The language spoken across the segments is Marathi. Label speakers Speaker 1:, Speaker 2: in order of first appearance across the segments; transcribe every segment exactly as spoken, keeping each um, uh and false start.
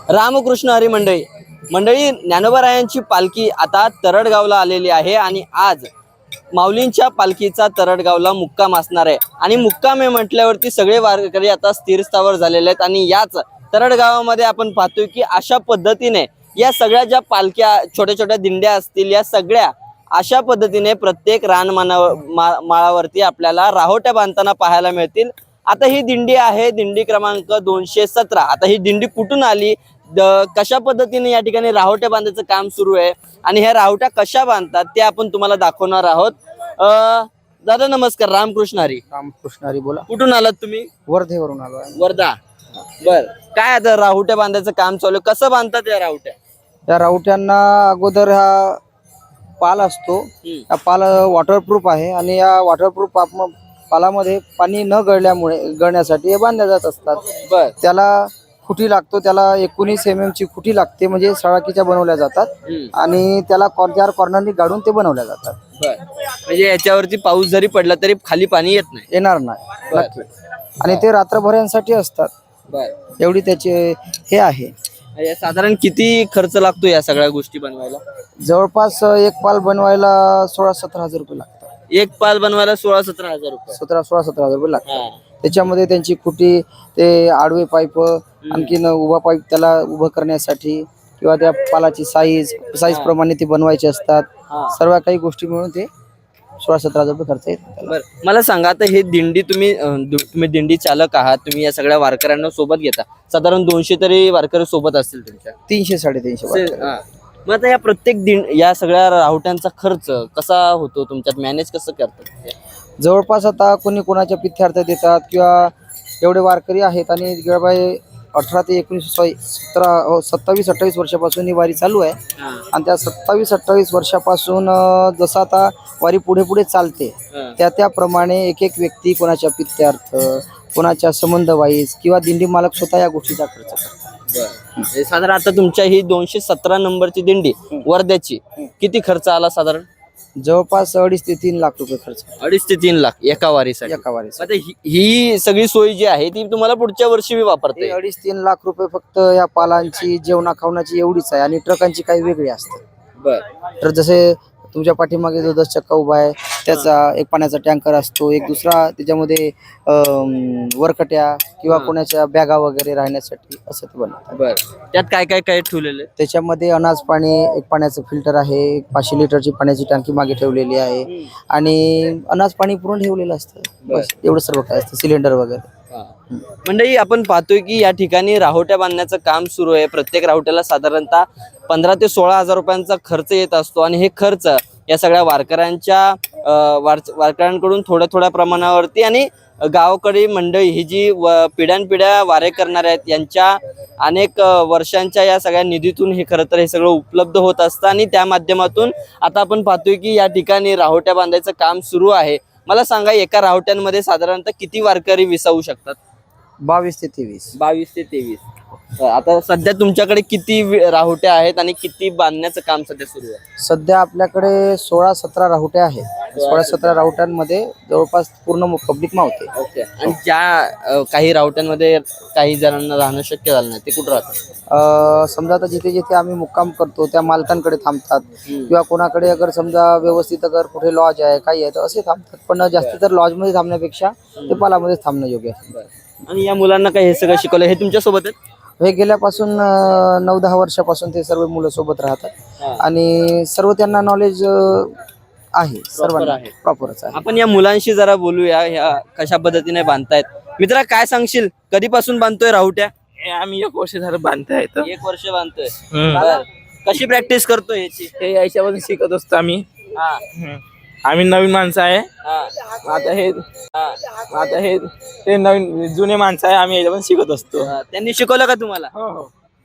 Speaker 1: रामकृष्ण हरी मंडळी मंडळी ज्ञानोबारायांची पालखी आता तरडगावला आलेली आहे आणि आज माऊलींच्या पालखीचा तरडगावला मुक्काम असणार आहे आणि मुक्काम हे म्हटल्यावरती सगळे वारकरी आता स्थिरस्थावर झालेले आहेत आणि याच तरडगावामध्ये आपण पाहतोय की अशा पद्धतीने या सगळ्या ज्या पालख्या छोट्या छोट्या दिंड्या असतील या सगळ्या अशा पद्धतीने प्रत्येक रानमाना माळावरती आपल्याला राहोट्या बांधताना पाहायला मिळतील। आता ही दिंडी आहे दिंडी क्रमांक दोनशे सतरा। आता ही दिंडी कुठून आली, कशा पद्धतीने या ठिकाणी राहोट्या बांधायचं काम सुरू आहे आणि ह्या राहोट्या कशा बांधतात ते आपण तुम्हाला दाखवणार आहोत। अ दादा नमस्कार, रामकृष्ण हरी।
Speaker 2: रामकृष्ण हरी बोला।
Speaker 1: कुठून आलात तुम्ही?
Speaker 2: वर्धेवरून आलो।
Speaker 1: वर्धा। बर, काय आता राहोट्या बांधायचं काम चालू आहे, कसं बांधतात या राहोट्या?
Speaker 2: या राहोट्यांना अगोदर हा पाल असतो, हा पाल वॉटरप्रूफ आहे आणि या वॉटरप्रूफ पालामध्ये पाणी न गळल्यामुळे गळण्यासाठी हे बांधल्या जात असतात।
Speaker 1: बर,
Speaker 2: त्याला खुटी लागतो, त्याला एकोणीस एम एम ची खुटी लागते, म्हणजे सळाकीच्या बनवल्या जातात आणि त्याला कॉर्नर कॉर्नरनी गाडून ते बनवल्या जातात।
Speaker 1: बर, म्हणजे याच्यावरती पाऊस जरी पडला तरी खाली पाणी येत नाही?
Speaker 2: येणार नाही नक्की। आणि ते रात्रभरांसाठी असतात।
Speaker 1: बर,
Speaker 2: एवढी त्याचे हे आहे।
Speaker 1: साधारण किती खर्च लागतो या सगळ्या गोष्टी बनवायला?
Speaker 2: जवळपास एक पाल बनवायला सोळा सतरा हजार रुपये लागतात।
Speaker 1: एक पाल बनवायला सोळा सतरा हजार रुपये
Speaker 2: सतरा सोळा सतरा हजार रुपये लागतात। त्याच्यामध्ये त्यांची खुटी, ते आडवे पाईप, आणखीन उभा पाईप त्याला उभं करण्यासाठी किंवा त्या पालाची साईज साईज प्रमाणे ते बनवायचे असतात। सर्व काही गोष्टी मिळून ते सोळा सतरा हजार रुपये खर्च येतात।
Speaker 1: बरं, मला सांगा आता हे दिंडी तुम्ही तुम्ही दिंडी चालक आहात, तुम्ही या सगळ्या वारकऱ्यांना सोबत घेता, साधारण दोनशे तरी वारकरी सोबत असतील तुमच्या?
Speaker 2: तीनशे साडेतीनशे।
Speaker 1: मग आता या प्रत्येक दिंड या सगळ्या राहोट्यांचा खर्च कसा होतो तुमच्यात, मॅनेज कसं करतात?
Speaker 2: जवळपास आता कोणी कोणाच्या पिथ्यार्थ देतात किंवा एवढे वारकरी आहेत आणि अठरा ते एकोणीस सतरा सत्तावीस अठ्ठावीस वर्षापासून ही वारी चालू आहे आणि त्या सत्तावीस अठ्ठावीस वर्षापासून जसं आता वारी पुढे पुढे चालते त्या त्याप्रमाणे एक एक व्यक्ती कोणाच्या पित्यार्थ, कोणाच्या संबंध वाईज किंवा दिंडी मालक स्वतः या गोष्टीचा खर्च करतात।
Speaker 1: साधारण आता तुमच्या ही दोनशे सतरा नंबरची दिंडी वर्ध्याची किती खर्च आला साधारण?
Speaker 2: जवळपास अडीच ते तीन लाख रुपये खर्च।
Speaker 1: अडीच ते तीन लाख एका वारीसाठी?
Speaker 2: एका वारीसाठी।
Speaker 1: आता ही सगळी सोय जी आहे ती तुम्हाला पुढच्या वर्षी मी वापरते?
Speaker 2: अडीच तीन लाख रुपये फक्त या पालांची, जेवणा खावण्याची एवढीच आहे आणि ट्रकांची काही वेगळी असते।
Speaker 1: बर,
Speaker 2: तर जसे तुमच्या पाठीमागे जो दस चक्का उभा आहे त्याचा एक पाण्याचा टँकर असतो, एक दुसरा त्याच्यामध्ये वरकट्या किंवा कोणाच्या बॅगा वगैरे राहण्यासाठी असं ते बनवतात।
Speaker 1: बर, त्यात काय काय काय ठेवलेलं?
Speaker 2: त्याच्यामध्ये अनाज पाणी, एक पाण्याचं फिल्टर आहे, एक पाचशे लिटरची पाण्याची टाकी मागे ठेवलेली आहे आणि अनाज पाणी पुरून ठेवलेलं असतं। बस एवढं सर्व काय असतं, सिलेंडर वगैरे।
Speaker 1: मंडळी आपण पाहतोय की या ठिकाणी राहोट्या बांधण्याचं काम सुरू आहे। प्रत्येक राहोट्याला साधारणतः पंधरा ते सोळा हजार रुपयांचा खर्च येत असतो आणि हे खर्च या सगळ्या वारकऱ्यांच्या वारकऱ्यांकडून थोड्या थोड्या प्रमाणावरती आणि गावाकडे मंडळी ही जी पिढ्यानपिढ्या वारे करणार आहेत यांच्या अनेक वर्षांच्या या सगळ्या निधीतून हे खरं तर हे सगळं उपलब्ध होत असतं आणि त्या माध्यमातून आता आपण पाहतोय की या ठिकाणी राहोट्या बांधायचं काम सुरू आहे। मला सांगा एका राहोट्यांमध्ये साधारणतः किती वारकरी विसावू शकतात?
Speaker 2: बावीस ते तेवीस।
Speaker 1: बावीस ते तेवीस। आता सध्या तुमच्याकडे किती राहोट्या आहेत आणि किती बांधण्याचं काम सध्या सुरू आहे?
Speaker 2: सध्या आपल्याकडे सोळा सतरा राहोट्या आहेत। सोळा सतरा राहोट्यांमध्ये जवळपास पूर्ण पब्लिक मावते।
Speaker 1: ओके, आणि ज्या काही राहोट्यांमध्ये काही जणांना राहणं शक्य झालं नाही ते कुठं राहतात?
Speaker 2: समजा आता जिथे जिथे आम्ही मुक्काम करतो त्या मालकांकडे थांबतात किंवा कोणाकडे अगर समजा व्यवस्थित अगर कुठे लॉज आहे काही आहे तर असे थांबतात, पण जास्ती तर लॉजमध्ये थांबण्यापेक्षा ते पालामध्ये थांबणं योग्य आहे।
Speaker 1: आणि या मुलांना काही हे सगळं शिकवलं, हे तुमच्या सोबत आहेत?
Speaker 2: हे गेल्यापासून नऊ दहा वर्षापासून ते सर्व मुलं सोबत राहतात आणि सर्व त्यांना नॉलेज आहे, सर्वांना प्रॉपरच आहे।
Speaker 1: आपण या मुलांशी जरा बोलूया, ह्या कशा पद्धतीने बांधतायत। मित्रा काय सांगशील, कधीपासून बांधतोय राहोट्या?
Speaker 3: आम्ही एक वर्ष झालं बांधताय।
Speaker 1: एक वर्ष बांधतोय। कशी प्रॅक्टिस करतोय याची?
Speaker 3: हे याच्यावर शिकत असतो आम्ही। आम्ही नवीन माणसं आहे, आता हे आता हे ते नवीन जुने माणसं आहे, आम्ही याच्यावर शिकत असतो।
Speaker 1: त्यांनी शिकवलं का तुम्हाला?
Speaker 3: हो हो।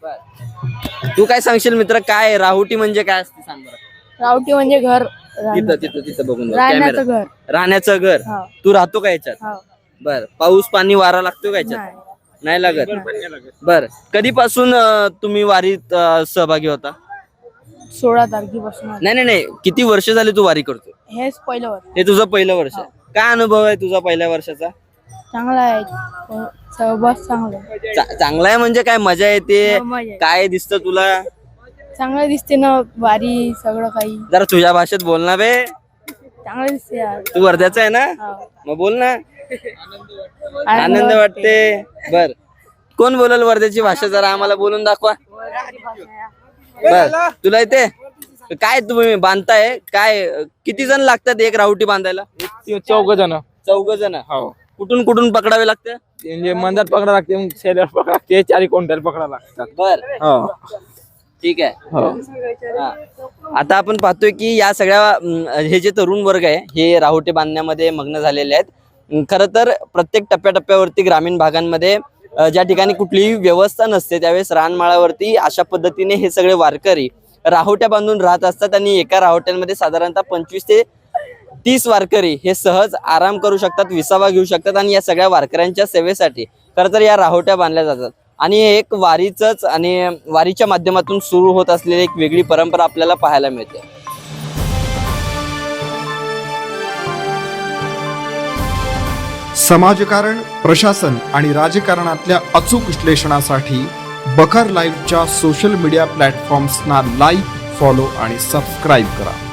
Speaker 1: तू काय सांगशील मित्र, काय राहोटी म्हणजे काय असते सांग बरं?
Speaker 4: राहोटी म्हणजे घर,
Speaker 1: तिथं तिथं तिथं बघून
Speaker 4: राहण्याचं घर।
Speaker 1: राहण्याचं घर। तू राहतो का याच्यात? बर, पाऊस पाणी वारा लागतो का याच्यात? नाही लागत। बर, कधीपासून तुम्ही वारीत सहभागी होता?
Speaker 4: सोळा तारखेपासून।
Speaker 1: नाही नाही नाही किती वर्ष झाले तू वारी करतो?
Speaker 4: हेच पहिलं वर्ष।
Speaker 1: हे तुझं पहिलं वर्ष? काय अनुभव आहे तुझा पहिल्या वर्षाचा?
Speaker 4: चांगला आहे हो, सहवास चांगला आहे.
Speaker 1: चा- चांगला आहे म्हणजे काय मजा येते?
Speaker 4: हो, मजा आहे.
Speaker 1: काय दिसतं तुला?
Speaker 4: चांगलं दिसते ना वारी सगळं काही
Speaker 1: जरा तुझ्या भाषेत बोल ना बे.
Speaker 4: चांगलं दिसते यार.
Speaker 1: तू वर्ध्याचा आहे ना?
Speaker 4: हो.
Speaker 1: मग बोल ना. आनंद वाटते. बर, कोण बोलल वर्ध्याची भाषा? जरा आम्हाला बोलून दाखवा. बर, तुला येते? काय तुम्ही बांधताय काय? किती जण लागतात एक राहुटी बांधायला?
Speaker 3: चौघ जण.
Speaker 1: चौघ जण.
Speaker 3: हो
Speaker 1: कुठून कुठून पकडावे लागते?
Speaker 3: म्हणजे मंदात पकडा लागते, मग शेल्यावर पकडा लागते, चारी कोणत्याला पकडा लागतात.
Speaker 1: बर,
Speaker 3: हो
Speaker 1: ठीक आहे.
Speaker 3: हो
Speaker 1: हा. आता आपण पाहतोय की या सगळ्या अं, हे जे तरुण वर्ग आहे हे राहुटे बांधण्यामध्ये मग्न झालेले आहेत. अं, खरं तर प्रत्येक टप्प्याटप्प्यावरती ग्रामीण भागांमध्ये अं, ज्या ठिकाणी कुठलीही व्यवस्था नसते त्यावेळेस रानमाळावरती अशा पद्धतीने हे सगळे वारकरी राहुट्या बांधून राहत असतात आणि एका राहुट्यांमध्ये साधारणतः पंचवीस ते तीस वारकरी हे सहज आराम करू शकतात, विसावा घेऊ शकतात आणि या सगळ्या वारकऱ्यांच्या सेवेसाठी खरं तर या राहुट्या बांधल्या जातात. आणि हे एक वारीचंच आणि वारीच्या माध्यमातून सुरू होत असलेली एक वेगळी परंपरा आपल्याला पाहायला मिळते.
Speaker 5: समाजकारण, प्रशासन आणि राजकारणातल्या अचूक विश्लेषणासाठी बखर लाईव्हच्या सोशल मीडिया प्लॅटफॉर्म्सना लाईक, फॉलो आणि सबस्क्राईब करा.